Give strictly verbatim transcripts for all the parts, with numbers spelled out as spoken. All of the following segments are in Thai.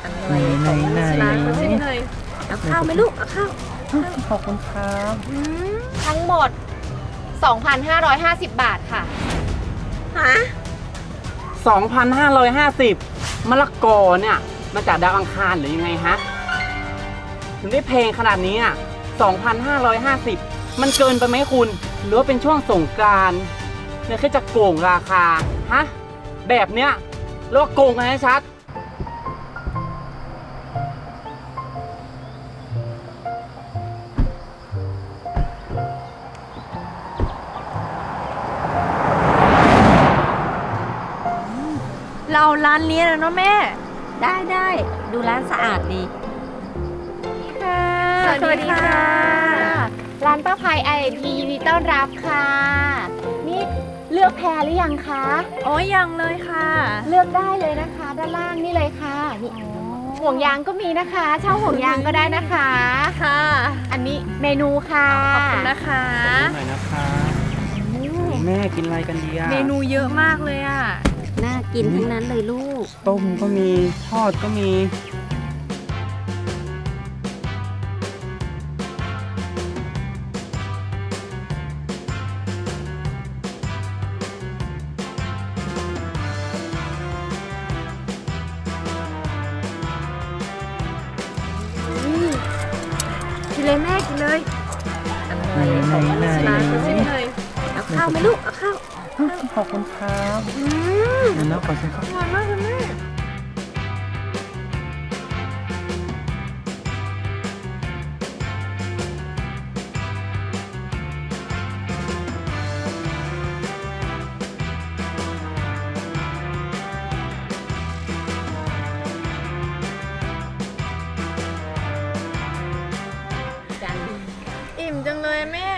ไหนไหนไหนร้านเขาใช่ไหมเลยเอาข้าวไหมลูกเอาข้าวขอบคุณครับทั้งหมด สองพันห้าร้อยห้าสิบ บาทค่ะฮะสองพันห้าร้อยห้าสิบ มะละกอเนี่ยมาจากดาวอังคารหรือยังไงฮะถึงได้เพลงขนาดนี้อ่ะสองพันห้าร้อยห้าสิบ มันเกินไปไหมคุณ หรือว่าเป็นช่วงสงกรานต์เนี่ยแค่จะโกงราคาฮะแบบเนี้ยเรียกว่าโกงกันให้ชัดเราร้านนี้แล้วเนาะแม่ได้ได้ดูร้านสะอาดดีค่ะสวัสดีค่ะร้านป้าภัย ไอ พี ยินดีต้อนรับค่ะนี่เลือกแพรหรือยังคะโอ้ยยังเลยค่ะเลือกได้เลยนะคะด้านล่างนี่เลยค่ะนี่ห่วงยางก็มีนะคะเช่าห่วงยางก็ได้นะคะค่ะอันนี้เมนูค่ะขอบคุณนะคะหน่อยนะคะแม่กินอะไรกันดีอะเมนูเยอะมากเลยอะน่ากินทั้งนั้นเลยลูกต้มก็มีทอดก็มีกินเลยแม่กินเลยไหนไหนไหนร้านเขาใช่ไหมเลยเอาข้าวไหมลูกเอาข้าวขอบคุณครับเดี๋ยวนะขอชิมข้าวอร่อยมากเลยแม่อิ่มจังเลยแม่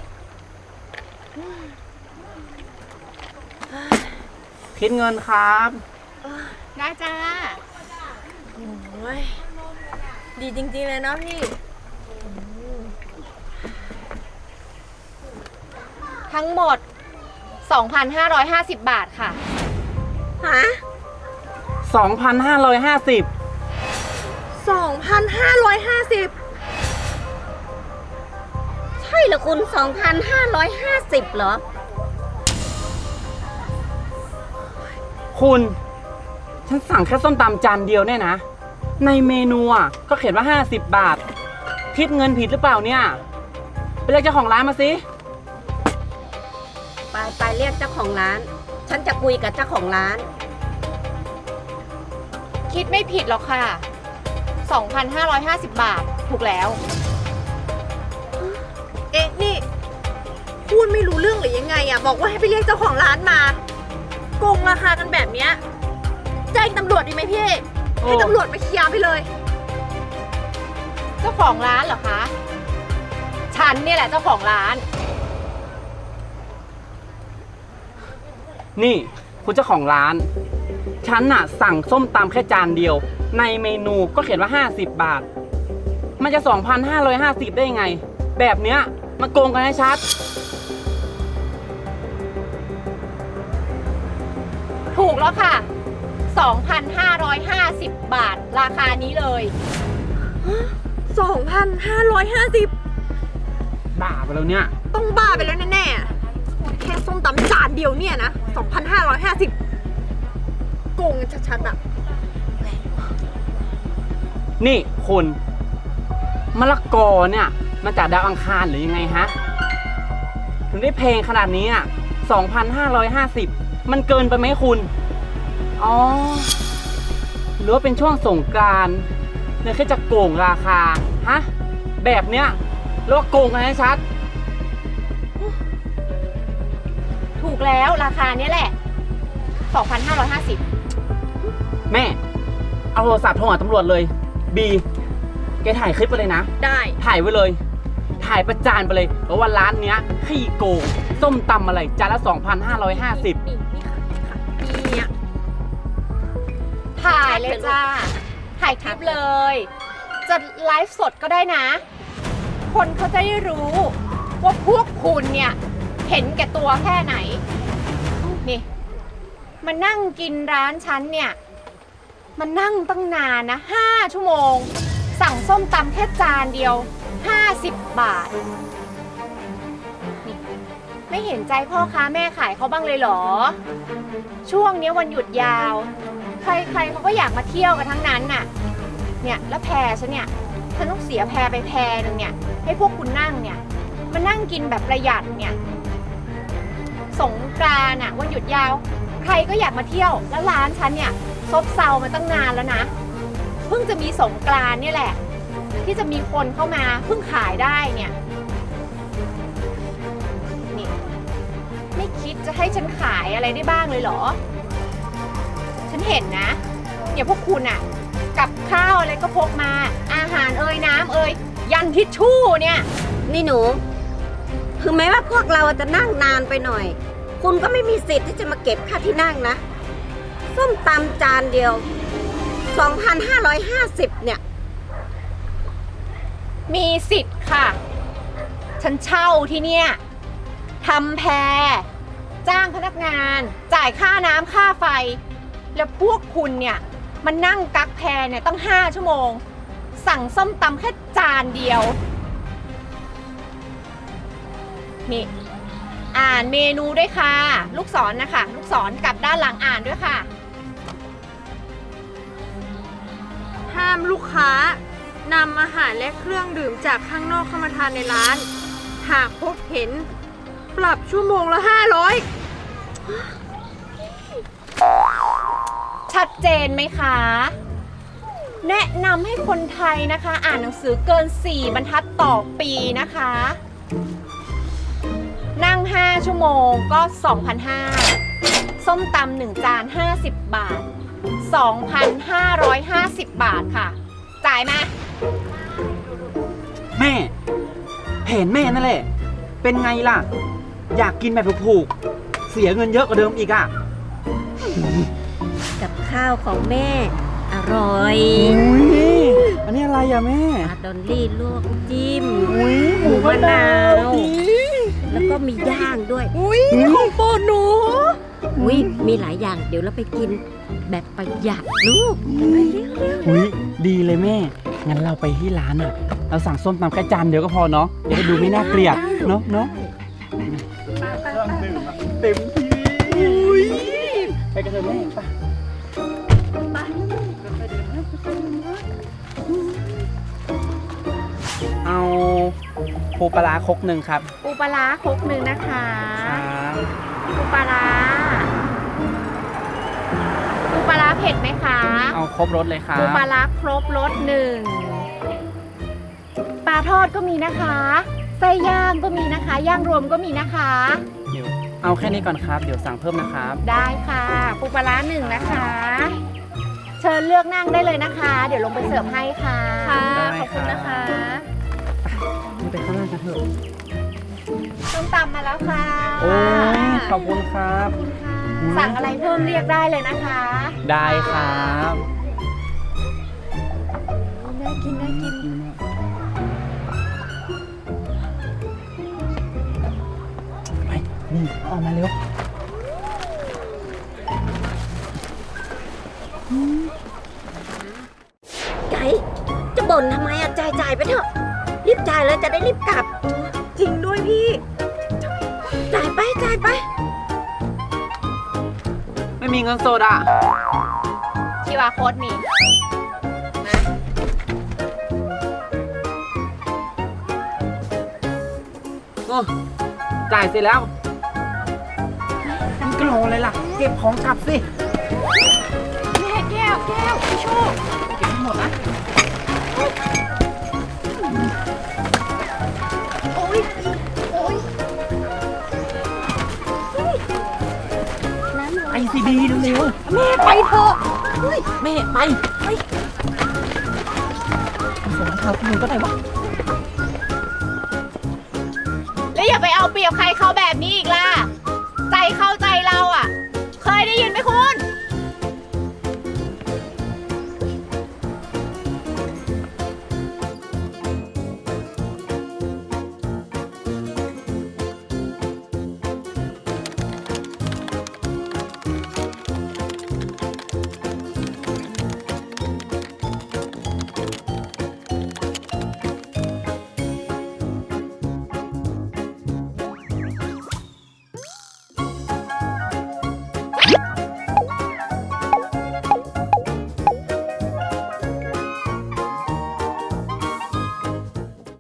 คิดเงินครับได้จ้าโอ้ยดีจริงๆเลยเนาะพี่ทั้งหมด สองพันห้าร้อยห้าสิบ บาทค่ะฮะสองพันห้าร้อยห้าสิบสองพันห้าร้อยห้าสิบใช่เหรอคุณ สองพันห้าร้อยห้าสิบ เหรอคุณฉันสั่งแค่ส้มตำจานเดียวเนี่ยนะในเมนูอ่ะก็เขียนว่าห้าสิบบาทคิดเงินผิดหรือเปล่าเนี่ยไปเรียกเจ้าของร้านมาสิไปไปเรียกเจ้าของร้านฉันจะคุยกับเจ้าของร้านคิดไม่ผิดหรอกค่ะ สองพันห้าร้อยห้าสิบ บาทถูกแล้วเอ๊ะนี่พูดไม่รู้เรื่องหรือยังไงอ่ะบอกว่าให้ไปเรียกเจ้าของร้านมาโกงราคากันแบบเนี้ยแจ้งตำรวจดีไหมพี่ให้ตำรวจมาเคลียร์ไปเลยเจ้าของร้านเหรอคะฉันเนี่ยแหละเจ้าของร้านนี่คุณเจ้าของร้านฉันน่ะสั่งส้มตำแค่จานเดียวในเมนูก็เขียนว่าห้าสิบบาทมันจะ สองพันห้าร้อยห้าสิบ ได้ยังไงแบบเนี้ยมันโกงกันให้ชัดถูกแล้วค่ะ สองพันห้าร้อยห้าสิบ บาทราคานี้เลยสองพันห้าร้อยห้าสิบบ้าไปแล้วเนี่ยต้องบ้าไปแล้วแน่ๆแค่ส้มตำจานเดียวเนี่ยนะ สองพันห้าร้อยห้าสิบ โกงกันชัดๆอะนี่คุณมะละกอเนี่ยมาจากดาวอังคารหรือยังไงฮะถึงได้เพลงขนาดนี้อ่ะ สองพันห้าร้อยห้าสิบ มันเกินไปไหมคุณอ๋อหรือว่าเป็นช่วงสงกรานต์เนี่ยแค่จะโกงราคาฮะแบบเนี้ยเรียกว่าโกงกันให้ชัดถูกแล้วราคานี้แหละ สองพันห้าร้อยห้าสิบแม่เอาโทรศัพท์โทรหาตำรวจเลยบีแกถ่ายคลิปไปเลยนะได้ถ่ายไว้เลยถ่ายประจานไปเลยว่าร้านเนี้ยขี้โกงส้มตำอะไรจานละ สองพันห้าร้อยห้าสิบนี่นี่ค่ะนี่ค่ะนี่อ่ะถ่ายเลยจ้าถ่ายคลิปเลยจะไลฟ์สดก็ได้นะคนเขาจะได้รู้ว่าพวกคุณเนี่ยเห็นแก่ตัวแค่ไหนนี่มานั่งกินร้านฉันเนี่ยมันนั่งตั้งนานนะห้าชั่วโมง สั่งส้มตำแค่จานเดียวห้าสิบบาทนี่ไม่เห็นใจพ่อค้าแม่ขายเขาบ้างเลยเหรอ ช่วงนี้วันหยุดยาว ใครๆเขาก็อยากมาเที่ยวกันทั้งนั้นน่ะเนี่ยแล้วแพรฉันเนี่ยฉันต้องเสียแพรไปแพรหนึ่งเนี่ยให้พวกคุณนั่งเนี่ยมานั่งกินแบบประหยัดเนี่ยสงกรานต์อ่ะวันหยุดยาว ใครก็อยากมาเที่ยวแล้วร้านฉันเนี่ยซบเซามาตั้งนานแล้วนะเพิ่งจะมีสงกรานต์เนี่ยแหละที่จะมีคนเข้ามาเพิ่งขายได้เนี่ยนี่ไม่คิดจะให้ฉันขายอะไรได้บ้างเลยเหรอฉันเห็นนะอย่าพวกคุณอะกับข้าวอะไรก็พกมาอาหารเอ่ยน้ำเอ่ยยันทิชชู่เนี่ยนี่หนูถึงแม้ว่าพวกเราจะนั่งนานไปหน่อย คุณก็ไม่มีสิทธิ์ที่จะมาเก็บค่าที่นั่งนะส้มตำจานเดียว สองพันห้าร้อยห้าสิบ เนี่ยมีสิทธิ์ค่ะ ฉันเช่าที่เนี่ยทำแพรจ้างพนักงานจ่ายค่าน้ำค่าไฟ แล้วพวกคุณเนี่ยมันนั่งกักแพรเนี่ยตั้งห้าชั่วโมง สั่งส้มตำแค่จานเดียวนี่อ่านเมนูด้วยค่ะ ลูกศรนะคะลูกศรกลับด้านหลังอ่านด้วยค่ะห้ามลูกค้านำอาหารและเครื่องดื่มจากข้างนอกเข้ามาทานในร้าน หากพบเห็นปรับชั่วโมงละห้าร้อยชัดเจนไหมคะ แนะนำให้คนไทยนะคะ อ่านหนังสือเกินสี่บรรทัดต่อปีนะคะ นั่งห้าชั่วโมงก็ สองพันห้าร้อย ส้มตำหนึ่งจานห้าสิบบาท สองพันห้าร้อยห้าสิบ บาทค่ะ จ่ายมาแม่ เห็นแม่นั่นแหละ เป็นไงล่ะ อยากกินแบบถูกๆ เสียเงินเยอะกว่าเดิมอีกอ่ะกับข้าวของแม่ อร่อยอุ้ยอันนี้อะไรอ่ะแม่ปลาดอลลี่ลวกจิ้มอุ้ยหมูมะนาวดีแล้วก็มีย่างด้วยอุ้ยของโปรดหนูอุ้ยมีหลายอย่างเดี๋ยวเราไปกินแบบประหยัดลูกไปเร็วอุ้ยดีเลยแม่ งั้นเราไปที่ร้านอ่ะ เราสั่งส้มตำแค่จานเดียวก็พอเนาะจะได้ดูไม่น่าเกลียดเนาะเนาะเครื่องดื่มอะเต็มที่ไปกันเถอะแม่ไปเอาปูปลาร้าครกหนึ่งครับปูปลาร้าครกหนึ่งนะคะครับปูปลาร้าปูปลาร้าเผ็ดไหมคะเอาครบรสเลยครับปูปลาร้าครบรสหนึ่งปลาทอดก็มีนะคะไส้ย่างก็มีนะคะ ย่างรวมก็มีนะคะเดี๋ยวเอาแค่นี้ก่อนครับ เดี๋ยวสั่งเพิ่มนะครับได้ค่ะปูปลาร้าหนึ่งนะคะ เชิญเลือกนั่งได้เลยนะคะ เดี๋ยวลงไปเสิร์ฟให้ค่ะค่ะได้ขอบคุณนะคะนี่ไปข้างล่างกันเถอะส้มตำมาแล้วค่ะโอ้ยขอบคุณครับสั่งอะไรเพิ่มเรียกได้เลยนะคะได้ครับน่ากินน่ากินไปนี่เอาออกมาเร็วๆใจจะบ่นทำไมอะจ่ายจ่ายไปเถอะ รีบจ่ายเลยจะได้รีบกลับจริงด้วยพี่จ่ายไปจ่ายไปไม่มีเงินสดอ่ะคิวอาร์ โค้ดมีมาโอ้จ่ายเสร็จแล้วนี่ก็รออะไรล่ะ เก็บของกลับสิแก้วแก้วแก้วพี่โชคเก็บให้หมดนะโอ้ยโอ้ยไอซีบีเร็วแม่ไปเถอะๆแม่ไปไปส่งให้เขาคุณก็ได้วะแล้วอย่าไปเอาเปรียบใครเขาแบบนี้อีกล่ะ ใจเข้าใจเราอ่ะ เคยได้ยินไหมคุณ